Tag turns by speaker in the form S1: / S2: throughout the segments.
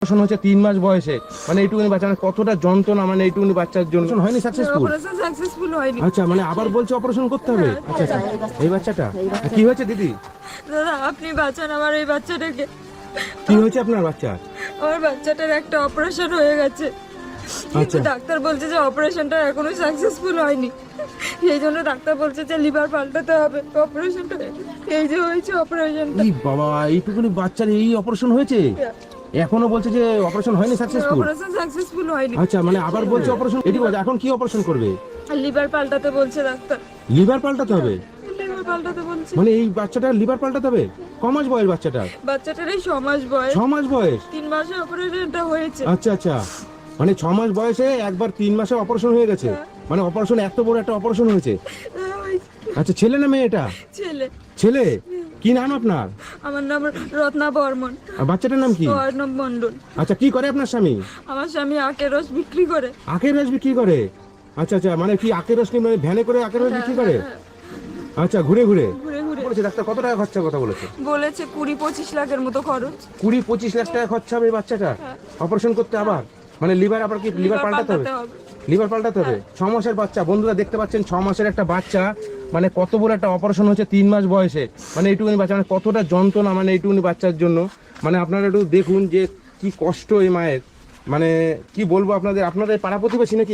S1: Operation হচ্ছে 3 মাস বয়সে, মানে এইটুকুনি বাচ্চা মানে কতটা যন্ত্রণা, মানে এইটুকুনি বাচ্চার জন্য হয়নি সাকসেসফুল।
S2: অপারেশন সাকসেসফুল হয়নি।
S1: আচ্ছা, মানে আবার বলছে অপারেশন করতে হবে। আচ্ছা আচ্ছা, এই বাচ্চাটা কি হয়েছে দিদি?
S2: দাদা আপনি বাঁচান আমার এই বাচ্চাটাকে।
S1: কি হয়েছে আপনার বাচ্চা?
S2: আমার বাচ্চাটার একটা অপারেশন হয়ে গেছে, কিন্তু
S1: আচ্ছা।
S2: ডাক্তার বলছে যে অপারেশনটা এখনো সাকসেসফুল হয়নি। সেই জন্য ডাক্তার বলছে যে লিভার পাল্টাতে হবে। অপারেশনটা এই যে হয়েছে অপারেশনটা।
S1: এই বাবা, এইটুকুনি বাচ্চার এই অপারেশন হয়েছে, এখনো বলছে যে অপারেশন হয়নি সাকসেসফুল।
S2: অপারেশন সাকসেসফুল হয়নি।
S1: আচ্ছা, মানে আবার বলছে অপারেশন। এটি বলছে এখন কি অপারেশন করবে?
S2: লিভার পাল্টাতে বলছে ডাক্তার।
S1: লিভার পাল্টাতে হবে?
S2: লিভার পাল্টাতে বলছে।
S1: মানে এই বাচ্চাটার লিভার পাল্টাতে হবে? ক মাস বয়স বাচ্চাটার?
S2: বাচ্চাটার এই 6 মাস বয়স।
S1: 6 মাস বয়স?
S2: 3 মাসে অপারেশনটা হয়েছে।
S1: আচ্ছা আচ্ছা, মানে 6 মাস বয়সে একবার 3 মাসে অপারেশন হয়ে গেছে। মানে অপারেশন, এত বড় একটা অপারেশন হয়েছে। আচ্ছা, ছেলে না মেয়ে এটা?
S2: ছেলে।
S1: ছেলে। কি নাম আপনার?
S2: আমার নাম রত্না বর্মন।
S1: আর বাচ্চাটার নাম কি?
S2: অর্ণব মণ্ডল।
S1: আচ্ছা, কি করে আপনার স্বামী?
S2: আমার স্বামী আখের রস বিক্রি করে।
S1: আখের রস বিক্রি করে? আচ্ছা আচ্ছা, মানে কি আখের রস নিয়ে, মানে ভ্যানে করে আখের রস বিক্রি করে? আচ্ছা, ঘুরে ঘুরে
S2: ঘুরে ঘুরে
S1: বলেছে ডাক্তার কত টাকা খরচা কথা বলেছে?
S2: বলেছে 20-25 লাখের মতো খরচ।
S1: 20-25 লাখ টাকা খরচা হবে এই বাচ্চাটা অপারেশন করতে আবার? মানে লিভার, আবার কি লিভার পাল্টাতে হবে? লিভার পাল্টাতে হবে। 6 মাসের বাচ্চা, বন্ধুরা দেখতে পাচ্ছেন 6 মাসের একটা বাচ্চা, মানে কত বড় একটা অপারেশন হচ্ছে 3 মাস বয়সে। মানে এইটুকুনি বাচ্চা মানে কতটা যন্ত্রণা, মানে এইটুকুনি বাচ্চার জন্য। মানে আপনারা একটু দেখুন যে কি কষ্ট এই মায়ের। মানে কি বলবো আপনাদের, আপনাদের পাড়া প্রতিবেশী নাকি?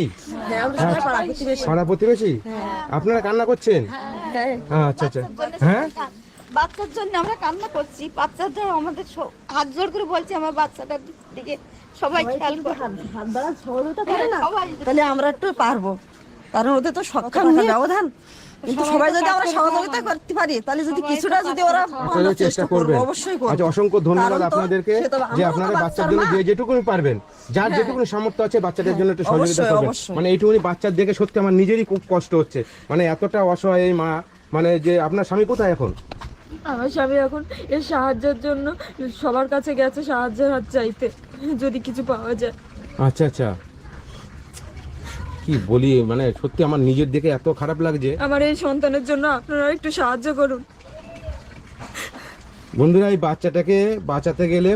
S1: পাড়া প্রতিবেশী। আপনারা কান্না করছেন? আচ্ছা আচ্ছা, হ্যাঁ
S3: বাচ্চার জন্য আমরা কান্না করছি। বাচ্চাটা আমাদের হাত জোর করে বলছি আমার বাচ্চাটার দিকে সবাই খেয়াল করে
S4: তাহলে আমরা একটু পারবো, কারণ ওদের তো সক্ষম নিয়ে ব্যবধান। কিন্তু সবাই যদি আমরা সহযোগিতা করতে পারি, তাহলে যদি কিছুটা যদি ওরা
S1: আপনারা চেষ্টা করবেন।
S4: অবশ্যই করবো।
S1: আচ্ছা, অসংখ্য ধন্যবাদ
S4: কারণ তো
S1: আপনাদেরকে
S4: সে তো
S1: যে
S4: আমরাও
S1: আপনারা
S4: তো
S1: বাচ্চার
S4: বাচ্চার
S1: জন্য
S4: মা।
S1: যে যেটুকুনি পারবেন, যার যেটুকুনি সামর্থ্য আছে বাচ্চাদের জন্য একটু সহযোগিতা
S4: অবশ্যই,
S1: করবেন।
S4: অবশ্যই।
S1: মানে এইটুকুনি বাচ্চার দেখে সত্যি আমার নিজেরই খুব কষ্ট হচ্ছে। মানে এতটা অসহায় এই মা। মানে যে আপনার স্বামী কোথায় এখন?
S2: আমার স্বামী এখন এর সাহায্যের জন্য সবার কাছে গেছে সাহায্যের হাত চাইতে, যদি কিছু পাওয়া যায়।
S1: আচ্ছা আচ্ছা, কি বলি, মানে সত্যি আমার নিজের দেখে এত খারাপ লাগছে।
S2: আমার এই সন্তানের জন্য আপনারা একটু সাহায্য করুন।
S1: বন্ধুরা, এই বাচ্চাটাকে বাঁচাতে গেলে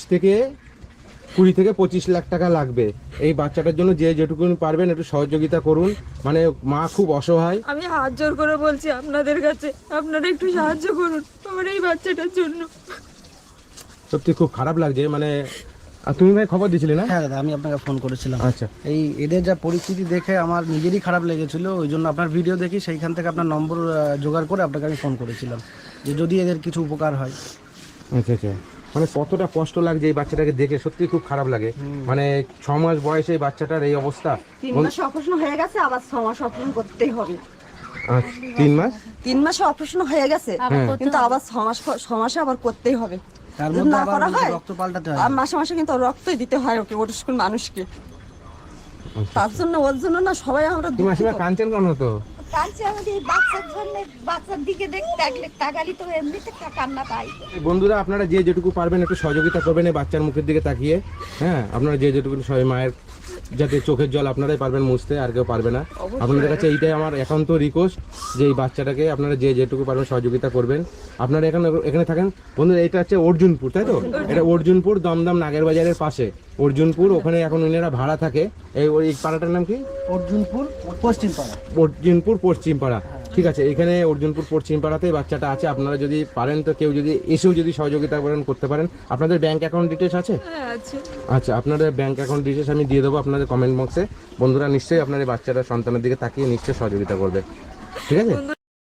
S1: 20 থেকে 25 লাখ টাকা লাগবে। এই বাচ্চাটার জন্য যে যেটুকুনি পারবেন একটু সহযোগিতা করুন। মানে মা খুব অসহায়।
S2: আমি হাত জোর করে বলছি আপনাদের কাছে, আপনারা একটু সাহায্য করুন আমার এই বাচ্চাটার জন্য।
S1: সত্যি খুব খারাপ লাগছে। মানে আর তুমি ভাই খবর দিয়েছিলে না?
S5: হ্যাঁ দাদা, আমি আপনাকে ফোন করেছিলাম।
S1: আচ্ছা,
S5: এই এদের যা পরিস্থিতি দেখে আমার নিজেরই খারাপ লেগেছিল, ওই জন্য আপনার ভিডিও দেখি সেইখান থেকে আপনার নম্বর জোগাড় করে আপনাকে আমি ফোন করেছিলাম যে যদি এদের কিছু উপকার হয়।
S1: আচ্ছা আচ্ছা, মানে কতটা কষ্ট লাগছে এই বাচ্চাটাকে দেখে, সত্যি খুব খারাপ লাগে। মানে 6 মাস বয়সে এই বাচ্চাটার এই অবস্থা।
S4: 3 মাসে অপারেশন হয়ে গেছে, আবার 6 মাস অপারেশন করতেই হবে।
S1: 3 মাস?
S4: 3 মাসে অপারেশন হয়ে গেছে, কিন্তু আবার 6 মাসে আবার করতেই হবে।
S5: তার
S4: যদি
S5: মধ্যে
S4: না
S5: আবার
S4: করা হয়,
S5: রক্ত পাল্টাতে হয়।
S4: আর মাসে মাসে কিন্তু রক্তই দিতে হয় ওকে, ওর স্কুল মানুষকে। তার জন্য ওর জন্য না সবাই আমরা
S1: তুমি আসলে কাঁদছেন কেন তো?
S3: কাঁদছে আমাদের এই বাচ্চার জন্য। বাচ্চার দিকে তাকালি তো এমনিতে কান্না পাই।
S1: বন্ধুরা, আপনারা যে যেটুকু পারবেন একটু সহযোগিতা করবেন এই বাচ্চার মুখের দিকে তাকিয়ে। হ্যাঁ, আপনারা যে যেটুকু সবাই মায়ের যাতে চোখের জল আপনারাই পারবেন মুছতে, আর কেউ পারবে না। আপনাদের কাছে এইটাই আমার একান্ত রিকোয়েস্ট যে এই বাচ্চাটাকে আপনারা যে যেটুকু পারবেন সহযোগিতা করবেন। আপনারা এখানে থাকেন বন্ধুরা, এটা হচ্ছে অর্জুনপুর, তাই তো? এটা অর্জুনপুর দমদম নাগের বাজারের পাশে অর্জুনপুর। ওখানে এখন ওনারা ভাড়া থাকে। এই পাড়াটার নাম কি?
S5: অর্জুনপুর পশ্চিম পাড়া।
S1: অর্জুনপুর পশ্চিম পাড়া। ঠিক আছে, এখানে অর্জুনপুর পশ্চিম পাড়াতেই বাচ্চাটা আছে। আপনারা যদি পারেন তো কেউ যদি এসেও যদি সহযোগিতা করতে পারেন। আপনাদের ব্যাংক অ্যাকাউন্ট ডিটেলস আছে?
S2: হ্যাঁ আছে।
S1: আচ্ছা, আপনাদের ব্যাংক অ্যাকাউন্ট ডিটেলস আমি দিয়ে দেবো আপনাদের কমেন্ট বক্সে। বন্ধুরা নিশ্চয়ই আপনার এই বাচ্চাটা সন্তানের দিকে তাকিয়ে নিশ্চয়ই সহযোগিতা করবে। ঠিক আছে।